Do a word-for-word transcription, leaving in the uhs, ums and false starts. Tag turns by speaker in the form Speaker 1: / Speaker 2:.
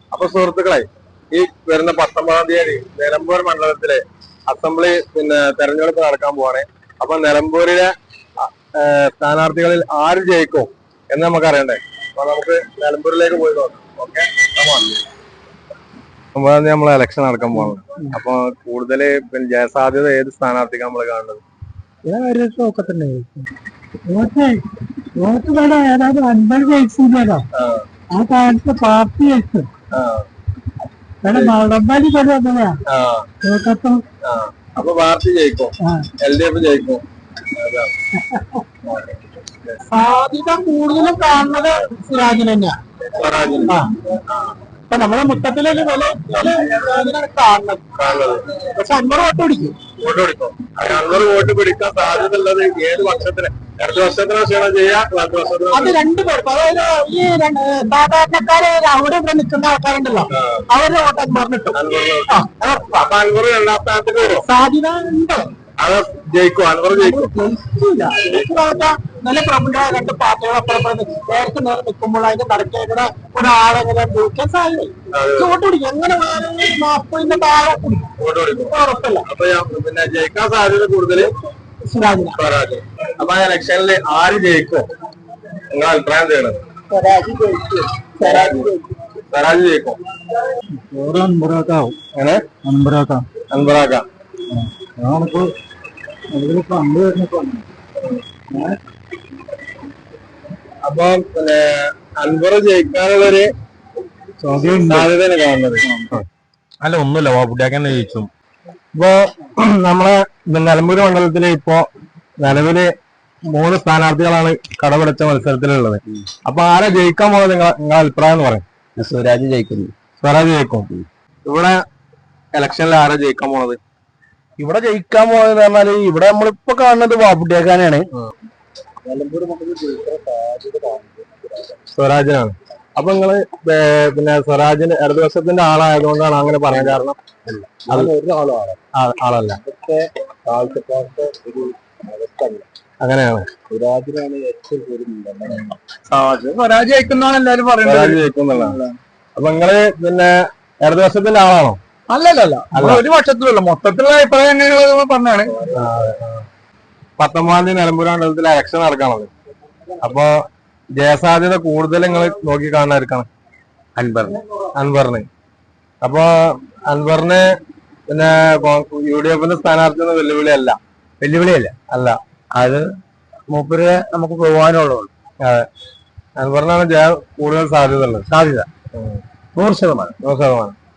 Speaker 1: അപ്പൊ സുഹൃത്തുക്കളെ, ഈ വരുന്ന പത്തൊമ്പതാം തീയതി നിലമ്പൂർ മണ്ഡലത്തിലെ അസംബ്ലി പിന്നെ തെരഞ്ഞെടുപ്പ് നടക്കാൻ പോവാണ്. അപ്പൊ നിലമ്പൂരിലെ സ്ഥാനാർത്ഥികളിൽ ആര് ജയിക്കും എന്ന് നമുക്ക് അറിയണ്ടേ. അപ്പൊ നമുക്ക് നിലമ്പൂരിലേക്ക് പോയി നോക്കാം. ഓക്കെ, ഒമ്പതാം തീയതി നമ്മളെ ഇലക്ഷൻ നടക്കാൻ പോകുന്നത്. അപ്പൊ കൂടുതൽ പിന്നെ ജയസാധ്യത ഏത് സ്ഥാനാർത്ഥിക്ക് നമ്മൾ കാണുന്നത്?
Speaker 2: ആ കാലത്ത് പാർട്ടി ജയിച്ചു.
Speaker 1: അപ്പൊ പാർട്ടി ജയിക്കും, എൽ ഡി എഫ് ജയിക്കും.
Speaker 2: സാധ്യത കൂടുതലും കാണുന്നത് സിറാജിന് തന്നെയാണ്. ഇപ്പൊ നമ്മളെ മൊത്തത്തിലൊരു വില കാണുന്നത്. പക്ഷെ അൻവർ വോട്ട് പിടിക്കും
Speaker 1: വോട്ട് പിടിക്കും അൻവർ വോട്ട് പിടിക്കാൻ സാധ്യത ഉള്ളത് ഏത് വർഷത്തിന്? അടുത്ത വർഷത്തിനോ ക്ഷണം ചെയ്യാം.
Speaker 2: അത് രണ്ടു പേർക്ക്, അതായത് ഈ സാധാരണക്കാര് അവിടെ ഇവിടെ നിൽക്കുന്ന ആൾക്കാരുണ്ടല്ലോ, അവരുടെ വോട്ട് അൻവറിനിട്ടു.
Speaker 1: അപ്പൊ അൻവർ രണ്ടാം സ്ഥാനത്തേക്ക് വരും.
Speaker 2: സാധ്യത ഉണ്ട്.
Speaker 1: അത് ജയിക്കും, അൻവർ ജയിക്കും.
Speaker 2: നല്ല പ്രമുഖമായ രണ്ട് പാർട്ടികൾ അപ്പുറം നേരത്തെ നേരെ നിൽക്കുമ്പോൾ അതിന്റെ നടക്കേക്കുന്ന ഒരാളെങ്ങനെ ജയിക്കാൻ സാധ്യത വോട്ട് പിടിക്കും. എങ്ങനെ നാൽപ്പതിന്റെ താഴെ ഉറപ്പല്ല.
Speaker 1: അപ്പൊ പിന്നെ ജയിക്കാൻ സാധ്യത കൂടുതൽ
Speaker 2: സിറാജിന്.
Speaker 1: അപ്പൊ ആ ഇലക്ഷനിൽ ആര് ജയിക്കും നിങ്ങൾ അഭിപ്രായം ചെയ്യണം?
Speaker 2: സ്വരാജ് ജയിക്കും. സ്വരാജ് ജയിക്കും.
Speaker 1: സ്വരാജ് ജയിക്കും.
Speaker 2: അൻപറാക്കാവും.
Speaker 1: അങ്ങനെ
Speaker 2: അൻപറാക്കാം.
Speaker 1: അൻപറാക്കാം.
Speaker 2: അതാണിപ്പോ അതിലിപ്പോ അമ്പത് വരുന്നപ്പോ.
Speaker 1: അപ്പൊ പിന്നെ അൻവർ ജയിക്കാനുള്ളൊരു സാധ്യതയാണ് കാണുന്നത്.
Speaker 3: അല്ല, ഒന്നുമില്ല, വാപ്പുട്ടിയാക്കാൻ ജയിച്ചു.
Speaker 1: ഇപ്പൊ നമ്മളെ നിലമ്പൂർ മണ്ഡലത്തില് ഇപ്പോ നിലവില് മൂന്ന് സ്ഥാനാർത്ഥികളാണ് കടപിടിച്ച മത്സരത്തിലുള്ളത്. അപ്പൊ ആരെ ജയിക്കാൻ പോകുന്നത് നിങ്ങൾ നിങ്ങളുടെ അഭിപ്രായം എന്ന് പറയും?
Speaker 3: സ്വരാജ് ജയിക്കുന്നു.
Speaker 1: സ്വരാജ് ജയിക്കും. ഇവിടെ ഇലക്ഷനിൽ ആരാ ജയിക്കാൻ പോണത്?
Speaker 3: ഇവിടെ ജയിക്കാൻ പോകുന്നത് പറഞ്ഞാല് ഇവിടെ നമ്മളിപ്പോ കാണുന്നത് വാപ്പുട്ടിയാക്കാനാണ്.
Speaker 1: സ്വരാജിനാണ്. അപ്പൊ നിങ്ങള് പിന്നെ സ്വരാജിന്റെ ഇടതുപക്ഷത്തിന്റെ ആളായതുകൊണ്ടാണ് അങ്ങനെ പറയാൻ കാരണം? ആളല്ല, അങ്ങനെയാണ്.
Speaker 2: സ്വരാജ് ജയിക്കുന്നതാണ് എല്ലാരും പറയുന്നത്.
Speaker 1: സ്വരാജ് ജയിക്കുന്നുള്ളതാണ്. അപ്പൊ നിങ്ങള് പിന്നെ ഇടതുപക്ഷത്തിന്റെ ആളാണോ?
Speaker 2: അല്ലല്ല, ഒരു പക്ഷത്തിലല്ല, മൊത്തത്തിലുള്ള അഭിപ്രായം എങ്ങനെയുള്ളത് പറഞ്ഞാണ്.
Speaker 1: പത്തൊമ്പതാം തീയതി നിലമ്പൂർ മണ്ഡലത്തിൽ ഇലക്ഷൻ നടക്കാണത്. അപ്പൊ ജയസാധ്യത കൂടുതൽ നിങ്ങൾ നോക്കി കാണാതിരിക്കണം അൻവറിന്. അൻവറിന് അപ്പൊ അൻവറിന് പിന്നെ യു ഡി എഫിന്റെ സ്ഥാനാർത്ഥി വെല്ലുവിളി അല്ല.
Speaker 3: വെല്ലുവിളിയല്ല
Speaker 1: അല്ല,
Speaker 3: അത് മൂപ്പര് നമുക്ക് പോകാനുള്ളൂ.
Speaker 1: അതെ, അൻവറിനാണ് ജയ കൂടുതൽ സാധ്യത ഉള്ളത്.
Speaker 3: സാധ്യത നൂറ് ശതമാനം
Speaker 1: നൂറ് ശതമാനം